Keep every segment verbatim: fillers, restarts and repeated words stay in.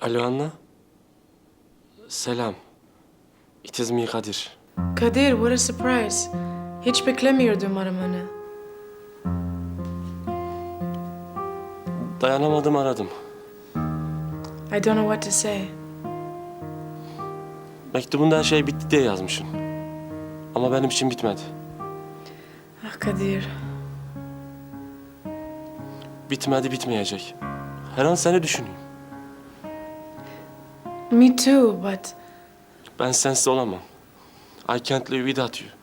Alo Anna. Selam. It is me Kadir. Kadir, what a surprise. Hiç beklemiyordum aramanı. Dayanamadım aradım. I don't know what to say. Mektubunda her şey bitti diye yazmışsın. Ama benim için bitmedi. Ah Kadir. Bitmedi, bitmeyecek. Her an seni düşünüyorum. Me too, but Ben sensiz olamam. I can't live without you.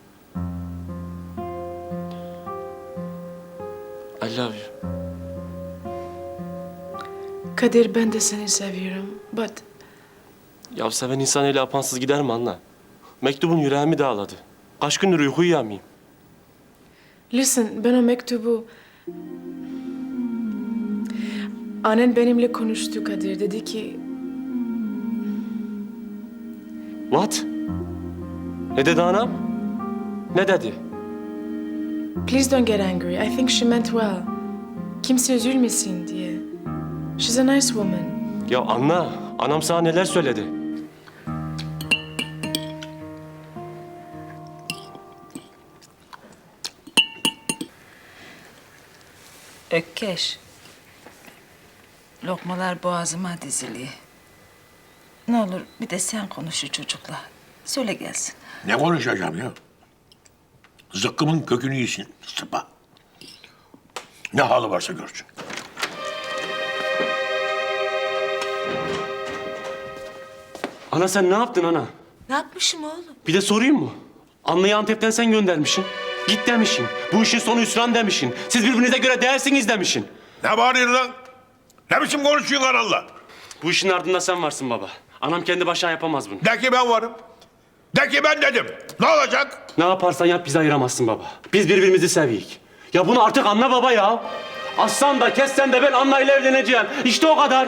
I love you. Kadir, ben de seni seviyorum. But Ya seven insan öyle apansız gider mi Anna? Mektubun yüreğimi dağladı. Kaç gündür uyku uyuyamayayım. listen, ben o mektubu... Annen benimle konuştu Kadir. Dedi ki What? Ne dedi anam? Ne dedi? please don't get angry. I think she meant well. Kimse üzülmesin diye. She's a nice woman. Ya Anna, anam sana neler söyledi? Ökkeş. Lokmalar boğazıma dizili. Ne olur bir de sen konuş şu çocukla. Söyle gelsin. Ne konuşacağım ya? Zıkkımın kökünü yesin sıpa. Ne halı varsa görsün. Ana sen ne yaptın ana? Ne yapmışım oğlum? Bir de sorayım mı? Anlayı Antep'ten sen göndermişsin. Git demişsin. Bu işin sonu hüsran demişsin. Siz birbirinize göre değersiniz demişsin. Ne bağırıyorsun lan? Ne biçim konuşuyorsun Allah? Bu işin ardında sen varsın baba. Anam kendi başına yapamaz bunu. De ki ben varım. De ki ben dedim. Ne olacak? Ne yaparsan yap bizi ayıramazsın baba. Biz birbirimizi seviyik. Ya bunu artık anla baba ya. Aslan da kessen de ben Anna ile evleneceğim. İşte o kadar.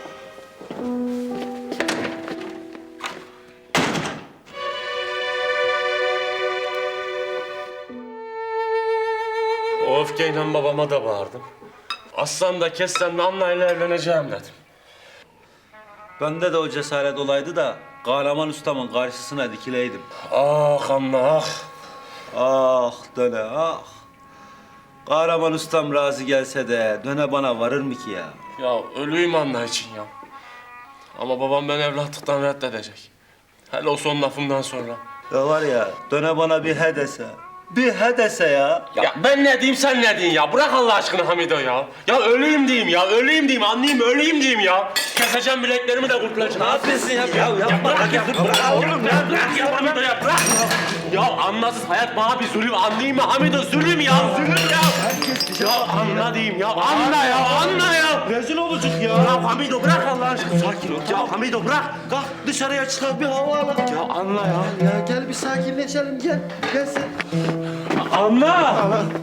O öfkeyle babama da bağırdım. Aslan da kessen de Anna ile evleneceğim dedim. Bende de o cesaret olaydı da kahraman ustamın karşısına dikileydim. Ah Anna ah. Ah döne ah. Kahraman ustam razı gelse de döne bana varır mı ki ya? Ya ölüyüm Anna için ya. Ama babam beni evlatlıktan reddedecek. Hele o son lafımdan sonra. Ya var ya döne bana bir he dese. Bir he dese ya. Ya ben ne diyeyim sen ne diyeyim ya? Bırak Allah aşkına Hamido ya. Ya öleyim diyeyim ya, öleyim diyeyim, anlayayım öleyim diyeyim ya. Keseceğim bileklerimi de kurtulacağım. Ne yapıyorsun ya? Ya yapma. Bırak ya, bırak oğlum ya, bırak ya Hamido ya, bırak. Ya anlasız hayat bana bir zulüm, anlayayım mı Hamido? Zulüm ya, zulüm ya. Ya anla diyeyim ya, anla ya, anla ya. Rezil olacak ya. Ya Hamido bırak Allah aşkına, sakin ol. Ya Hamido bırak. Kalk dışarıya çıkalım bir hava alalım. Ya anla ya. Ya gel bir sakinleşelim gel. Gel sen. Anla.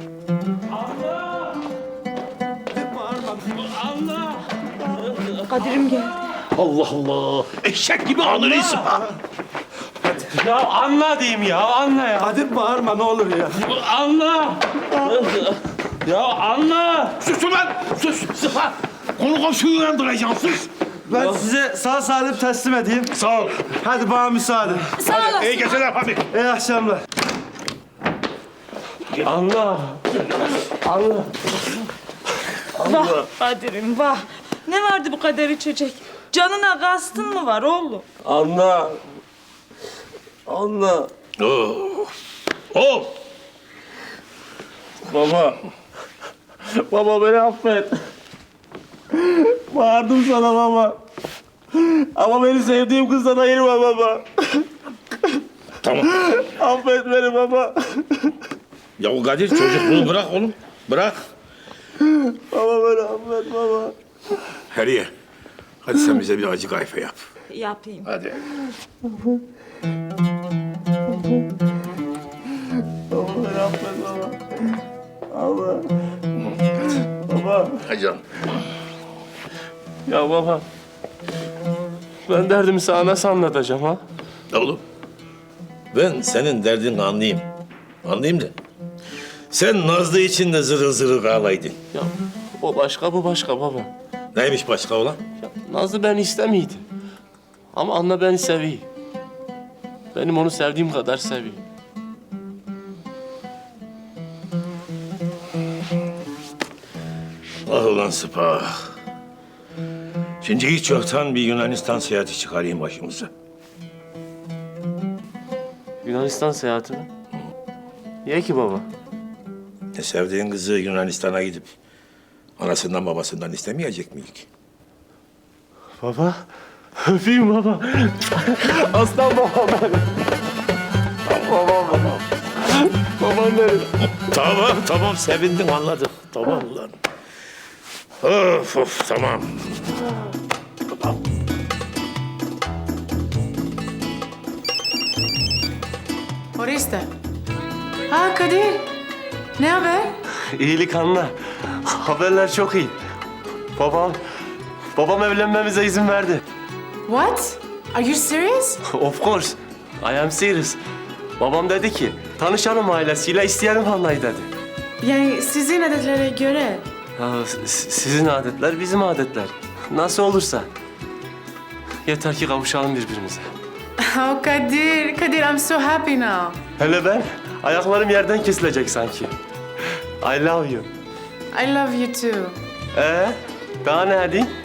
Kadir'im geldi. Allah Allah. Eşek gibi alır sıpa. Ya anla diyeyim ya, anla ya. Kadir bağırma ne olur ya. Anla. Ya anla. Sus ulan. Sus. Sıpa. Konu komşuyu uyandıracaksın. Sus. Ben size sağ salim teslim edeyim. Sağ ol. Hadi bana müsaade. Sağ olasın. İyi geceler Fahmi. İyi akşamlar. Anla. Anla. Vah Kadir'im vah. Ne vardı bu kadar içecek? Canına kastın mı var oğlum? Anla. Anla. Oh. Oh. Baba. Baba beni affet. Bağırdım sana baba. Ama beni sevdiğim kızdan ayırma baba. Tamam. Affet beni baba. Ya o Kadir çocukluğu bırak oğlum. Bırak. Baba beni affet baba. Heriye. Hadi sen bize bir acı kayfa yap. Yapayım. Hadi. Baba beni affet baba. Baba. Baba. Hadi canım. Ya baba. Ben derdimi sana nasıl anlatacağım ha? Oğlum. Ben senin derdini anlayayım. Anlayayım da. Sen Nazlı için de zırıl zırıl ağlaydın. Ya o başka bu başka baba. Neymiş başka olan? Ya, Nazlı beni istemiydi. Ama Anna beni seviyor. Benim onu sevdiğim kadar seviyor. Ah ulan Sıpa. Şimdi hiç yoktan bir Yunanistan seyahati çıkarayım başımıza. Yunanistan seyahati mi? Niye ki baba? E, sevdiğin kızı Yunanistan'a gidip anasından babasından istemeyecek miyik? Baba, öpeyim baba. Aslan babam benim. Babam babam. Babam benim. Tamam tamam sevindim anladık. Tamam ulan. Of of tamam. Orista. Ha Kadir. Ne haber? İyilik Anna. Haberler çok iyi. Babam, babam evlenmemize izin verdi. What? Are you serious? Of course. I am serious. Babam dedi ki, tanışalım ailesiyle, isteyelim Anna'yı dedi. Yani sizin adetlere göre. Ya, s- sizin adetler, bizim adetler. Nasıl olursa. Yeter ki kavuşalım birbirimize. Oh Kadir. Kadir, I'm so happy now. Hele ben, ayaklarım yerden kesilecek sanki. I love you. I love you too. Ee, daha ne diyeyim?